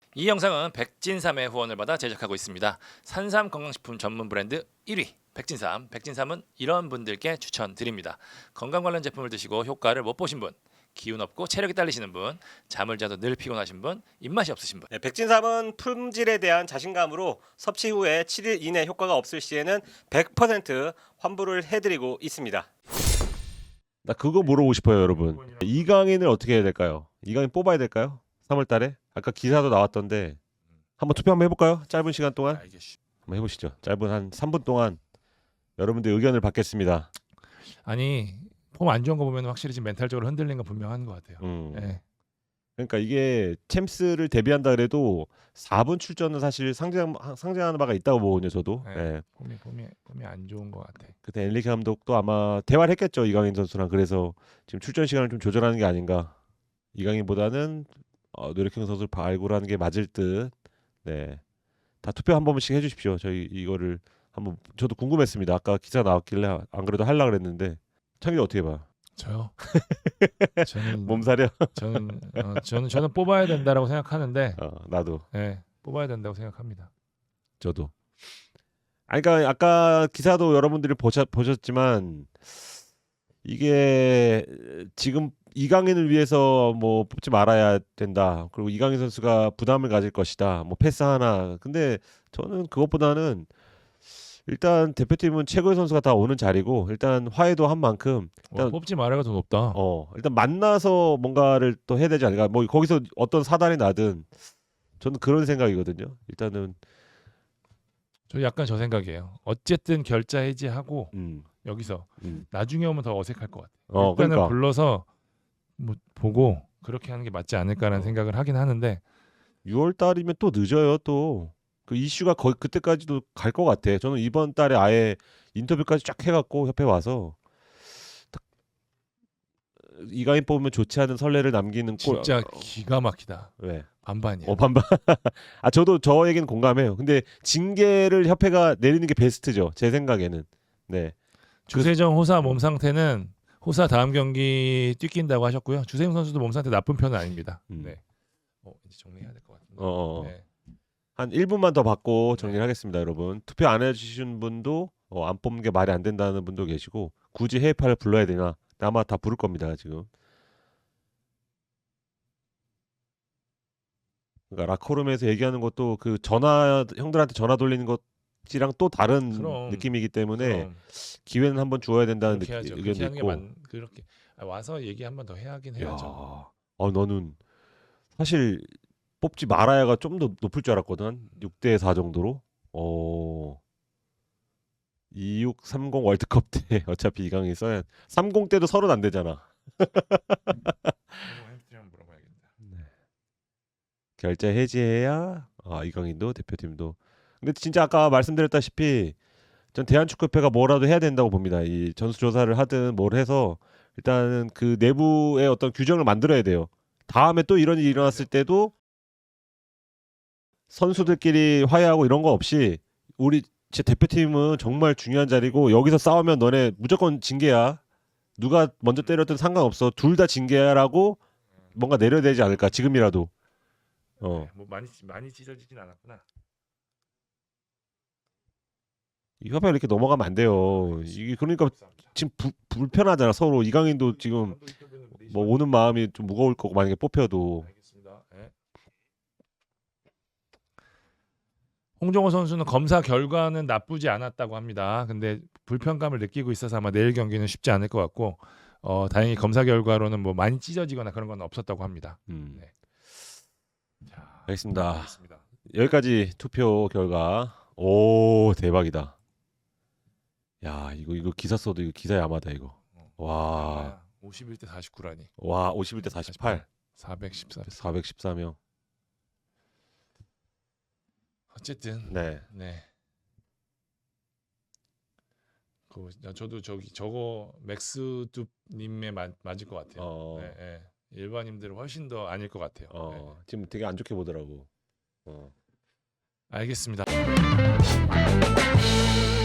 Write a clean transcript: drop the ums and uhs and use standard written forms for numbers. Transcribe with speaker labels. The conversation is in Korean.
Speaker 1: 이 영상은 백진삼의 후원을 받아 제작하고 있습니다. 산삼 건강식품 전문 브랜드 1위 백진삼. 백진삼은 이런 분들께 추천드립니다. 건강 관련 제품을 드시고 효과를 못 보신 분, 기운 없고 체력이 딸리시는 분, 잠을 자도 늘 피곤하신 분, 입맛이 없으신 분.
Speaker 2: 네, 백진삼은 품질에 대한 자신감으로 섭취 후에 7일 이내 효과가 없을 시에는 100% 환불을 해드리고 있습니다.
Speaker 3: 나 그거 물어보고 싶어요, 여러분. 이강인을 어떻게 해야 될까요? 이강인 뽑아야 될까요? 3월 달에? 아까 기사도 나왔던데 한번 투표 한번 해볼까요? 짧은 시간 동안 한번 해보시죠. 짧은 한 3분 동안 여러분들 의견을 받겠습니다.
Speaker 4: 아니 폼 안 좋은 거 보면 확실히 지금 멘탈적으로 흔들린 건 분명한 것 같아요. 예.
Speaker 3: 그러니까 이게 챔스를 데뷔한다 그래도 4분 출전은 사실 상징하는 바가 있다고 보거든요, 저도.
Speaker 4: 네.
Speaker 3: 예.
Speaker 4: 폼이 안 좋은 것 같아.
Speaker 3: 그때 엔리케 감독도 아마 대화를 했겠죠, 이강인 선수랑. 그래서 지금 출전 시간을 좀 조절하는 게 아닌가. 이강인보다는 노력형 선수를 발굴하는 게 맞을 듯. 네, 다 투표 한 번씩 해주십시오. 저희 이거를 한번 저도 궁금했습니다. 아까 기사 나왔길래 안 그래도 하려고 그랬는데 창규 어떻게 봐?
Speaker 4: 저요? 저는
Speaker 3: 몸살이야?
Speaker 4: 저는 뽑아야 된다라고 생각하는데,
Speaker 3: 나도.
Speaker 4: 예, 뽑아야 된다고 생각합니다.
Speaker 3: 저도. 아니, 그러니까 아까 기사도 여러분들이 보셨지만 이게 지금 이강인을 위해서 뭐 뽑지 말아야 된다. 그리고 이강인 선수가 부담을 가질 것이다. 뭐 패스 하나. 근데 저는 그것보다는 일단 대표팀은 최고의 선수가 다 오는 자리고 일단 화해도 한 만큼 일단
Speaker 4: 뽑지 말아가 더 높다.
Speaker 3: 일단 만나서 뭔가를 또 해야 되지 않을까. 뭐 거기서 어떤 사단이 나든 저는 그런 생각이거든요. 일단은
Speaker 4: 저 약간 저 생각이에요. 어쨌든 결자 해지하고 여기서 나중에 오면 더 어색할 것 같아요. 일단은
Speaker 3: 그러니까.
Speaker 4: 불러서 뭐 보고 그렇게 하는 게 맞지 않을까라는 생각을 하긴 하는데
Speaker 3: 6월 달이면 또 늦어요. 또 그 이슈가 거의 그때까지도 갈 것 같아. 저는 이번 달에 아예 인터뷰까지 쫙 해갖고 협회 와서 딱 이강인 뽑으면 좋지 않은 선례를 남기는 꼴.
Speaker 4: 진짜 기가 막히다.
Speaker 3: 왜?
Speaker 4: 반반이야.
Speaker 3: 반반. 저도 저 얘기는 공감해요. 근데 징계를 협회가 내리는 게 베스트죠. 제 생각에는. 네.
Speaker 4: 주세정 호사 몸 상태는 호사 다음 경기 뛰긴다고 하셨고요. 주세용 선수도 몸 상태 나쁜 편은 아닙니다. 네. 이제 정리해야 될 것 같은데. 네.
Speaker 3: 한 1분만 더 받고 정리를 하겠습니다, 여러분. 투표 안 해주신 분도 안 뽑는 게 말이 안 된다는 분도 계시고 굳이 해외파를 불러야 되나? 아마 다 부를 겁니다, 지금. 그러니까 라커룸에서 얘기하는 것도 그 형들한테 전화 돌리는 것이랑 또 다른 느낌이기 때문에 기회는 한번 주어야 된다는 의견도 있고.
Speaker 4: 그렇게 와서 얘기 한번 더 해야긴 해야죠.
Speaker 3: 너는 사실 뽑지 말아야가 좀 더 높을 줄 알았거든. 6대 4 정도로. 2630 월드컵 때 어차피 이강인 써야 30 때도 서른 안 되잖아. 결자 해지해야 이강인도 대표팀도. 근데 진짜 아까 말씀드렸다시피 전 대한축구협회가 뭐라도 해야 된다고 봅니다. 이 전수조사를 하든 뭘 해서 일단은 그 내부의 어떤 규정을 만들어야 돼요. 다음에 또 이런 일이 일어났을 때도 선수들끼리 화해하고 이런 거 없이 우리 제 대표팀은 정말 중요한 자리고 여기서 싸우면 너네 무조건 징계야. 누가 먼저 때렸든 상관없어. 둘 다 징계야라고 뭔가 내려야 되지 않을까. 지금이라도.
Speaker 4: 뭐 많이 찢어지진 않았구나.
Speaker 3: 이 협회가 이렇게 넘어가면 안 돼요. 이게 그러니까 지금 불편하잖아 서로. 이강인도 지금 뭐 오는 마음이 좀 무거울 거고 만약에 뽑혀도.
Speaker 4: 알겠습니다. 네. 홍정호 선수는 검사 결과는 나쁘지 않았다고 합니다. 근데 불편감을 느끼고 있어서 아마 내일 경기는 쉽지 않을 것 같고 다행히 검사 결과로는 뭐 많이 찢어지거나 그런 건 없었다고 합니다. 네. 자,
Speaker 3: 알겠습니다. 여기까지 투표 결과. 오, 대박이다. 야, 이거 기사 써도 이거 기사의 아마다 이거. 와.
Speaker 4: 51대 49라니.
Speaker 3: 와, 51대 48.
Speaker 4: 414명. 어쨌든
Speaker 3: 네.
Speaker 4: 저도 저거 맥스둡님에 맞을 것 같아요. 네. 일반인들은 훨씬 더 아닐 것 같아요.
Speaker 3: 지금 되게 안 좋게 보더라고.
Speaker 4: 알겠습니다.